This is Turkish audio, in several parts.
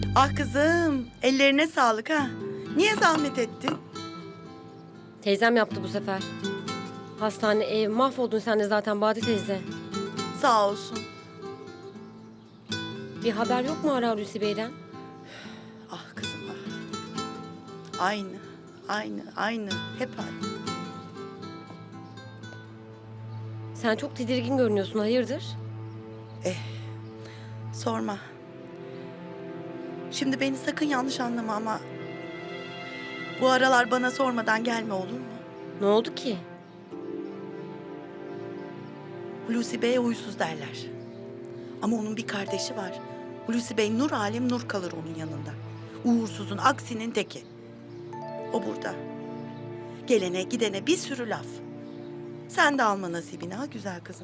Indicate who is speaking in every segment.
Speaker 1: Ah kızım, ellerine sağlık ha. Niye zahmet ettin?
Speaker 2: Teyzem yaptı bu sefer. Hastane, ev, mahvoldun sen de zaten Bade teyze.
Speaker 1: Sağ olsun.
Speaker 2: Bir haber yok mu Ara Hulusi Bey'den?
Speaker 1: Ah kızım ah. Aynı. Hep aynı.
Speaker 2: Sen çok tedirgin görünüyorsun, hayırdır?
Speaker 1: Sorma. Şimdi beni sakın yanlış anlama ama... Bu aralar bana sormadan gelme olur mu?
Speaker 2: Ne oldu ki?
Speaker 1: Hulusi Bey'e huysuz derler. Ama onun bir kardeşi var. Hulusi Bey nur alem nur kalır onun yanında. Uğursuzun aksinin teki. O burada. Gelene gidene bir sürü laf. Sen de alma nasibini ha güzel kızım.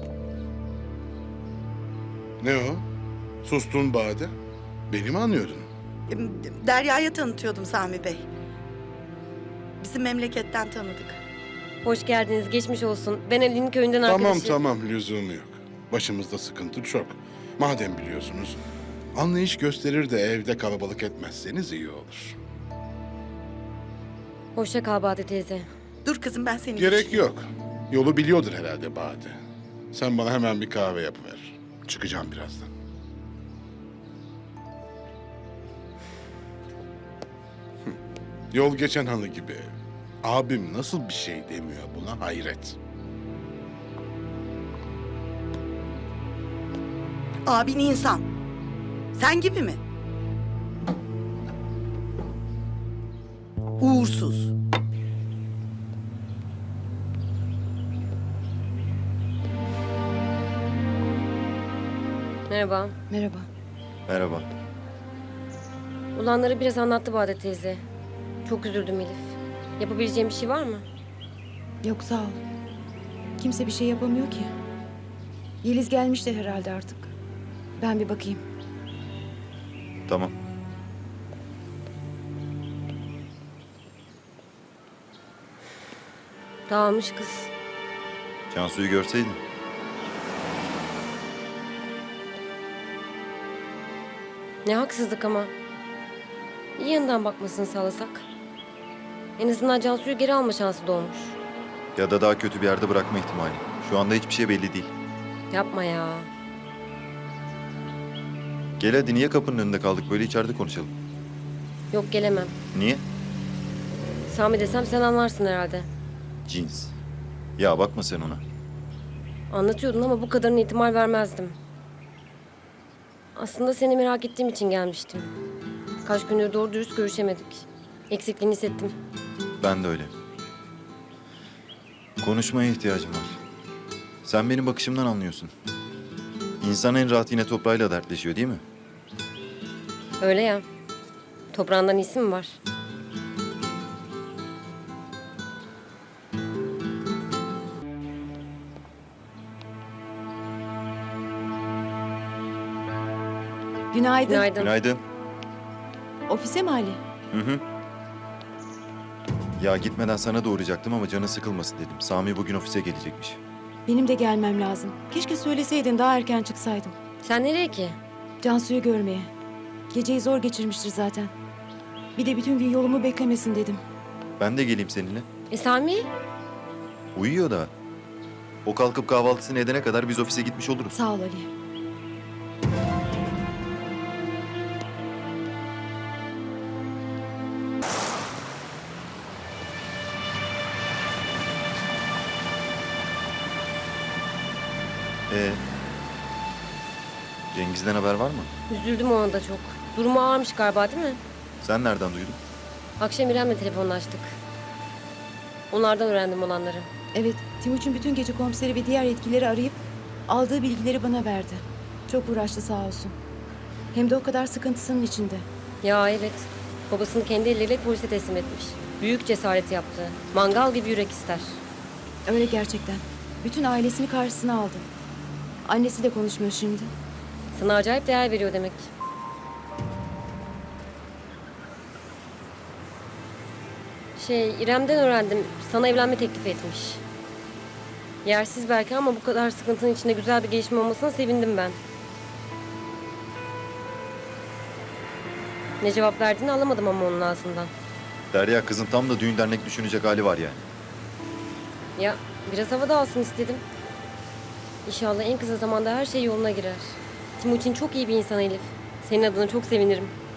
Speaker 3: Ne o? Sustun Bade. Beni mi anıyordun?
Speaker 1: Derya'ya tanıtıyordum Sami Bey. Bizim memleketten tanıdık.
Speaker 2: Hoş geldiniz, geçmiş olsun. Ben Ali'nin köyünden arkadaşım.
Speaker 3: Tamam lüzumu yok. Başımızda sıkıntı çok. Madem biliyorsunuz, anlayış gösterir de evde kalabalık etmezseniz iyi olur.
Speaker 2: Hoşça kal Bade teyze.
Speaker 1: Dur kızım ben seni
Speaker 3: Gerek
Speaker 1: geçireyim.
Speaker 3: yok. Yolu biliyordur herhalde Bade. Sen bana hemen bir kahve yapıver. Çıkacağım birazdan. Yol geçen hanı gibi. Abim nasıl bir şey demiyor buna hayret.
Speaker 1: Abin insan. Sen gibi mi? Uğursuz.
Speaker 2: Merhaba.
Speaker 4: Merhaba.
Speaker 5: Merhaba.
Speaker 2: Olanları biraz anlattı Bade teyze. Çok üzüldüm Elif. Yapabileceğim bir şey var mı?
Speaker 4: Yok sağ ol. Kimse bir şey yapamıyor ki. Yeliz gelmiştir herhalde artık. Ben bir bakayım.
Speaker 5: Tamam.
Speaker 2: Dağılmış kız.
Speaker 5: Cansu'yu görseydin.
Speaker 2: Ne haksızlık ama. İyi yanından bakmasını sağlasak. En azından Cansu'yu geri alma şansı doğmuş.
Speaker 5: Ya da daha kötü bir yerde bırakma ihtimali. Şu anda hiçbir şey belli değil.
Speaker 2: Yapma ya.
Speaker 5: Gel hadi, niye kapının önünde kaldık, böyle içeride konuşalım.
Speaker 2: Yok gelemem.
Speaker 5: Niye?
Speaker 2: Sami desem sen anlarsın herhalde.
Speaker 5: Cins. Ya bakma sen ona.
Speaker 2: Anlatıyordun ama bu kadarına ihtimal vermezdim. Aslında seni merak ettiğim için gelmiştim. Kaç gündür doğru dürüst görüşemedik. Eksikliğini hissettim.
Speaker 5: Ben de öyle. Konuşmaya ihtiyacım var. Sen benim bakışımdan anlıyorsun. İnsan en rahat yine toprağıyla dertleşiyor değil mi?
Speaker 2: Öyle ya. Toprağından iyisi mi var?
Speaker 4: Günaydın.
Speaker 2: Günaydın.
Speaker 5: Günaydın.
Speaker 4: Ofise mi Ali?
Speaker 5: Hı. Ya gitmeden sana da uğrayacaktım ama canı sıkılmasın dedim. Sami bugün ofise gelecekmiş.
Speaker 4: Benim de gelmem lazım. Keşke söyleseydin daha erken çıksaydım.
Speaker 2: Sen nereye ki?
Speaker 4: Cansu'yu görmeye. Geceyi zor geçirmiştir zaten. Bir de bütün gün yolumu beklemesin dedim.
Speaker 5: Ben de geleyim seninle.
Speaker 2: Sami?
Speaker 5: Uyuyor da. O kalkıp kahvaltısını edene kadar biz ofise gitmiş oluruz.
Speaker 4: Sağ ol Ali.
Speaker 5: Cengiz'den haber var mı?
Speaker 2: Üzüldüm ona da çok. Durumu ağırmış galiba değil mi?
Speaker 5: Sen nereden duydun?
Speaker 2: Akşam İrem'le telefonlaştık. Onlardan öğrendim olanları.
Speaker 4: Evet, Timuçin bütün gece komiseri ve diğer yetkilileri arayıp aldığı bilgileri bana verdi. Çok uğraştı sağ olsun. Hem de o kadar sıkıntısının içinde.
Speaker 2: Ya evet. Babasını kendi elleriyle polise teslim etmiş. Büyük cesaret yaptı. Mangal gibi yürek ister.
Speaker 4: Öyle gerçekten. Bütün ailesini karşısına aldı. Annesi de konuşmuyor şimdi.
Speaker 2: Sana acayip değer veriyor demek. İrem'den öğrendim. Sana evlenme teklif etmiş. Yersiz belki ama bu kadar sıkıntının içinde güzel bir gelişme olmasına sevindim ben. Ne cevap verdiğini alamadım ama onun ağzından.
Speaker 5: Derya, kızın tam da düğün dernek düşünecek hali var yani.
Speaker 2: Ya biraz havada alsın istedim. İnşallah en kısa zamanda her şey yoluna girer. Timuçin çok iyi bir insan Elif. Senin adına çok sevinirim.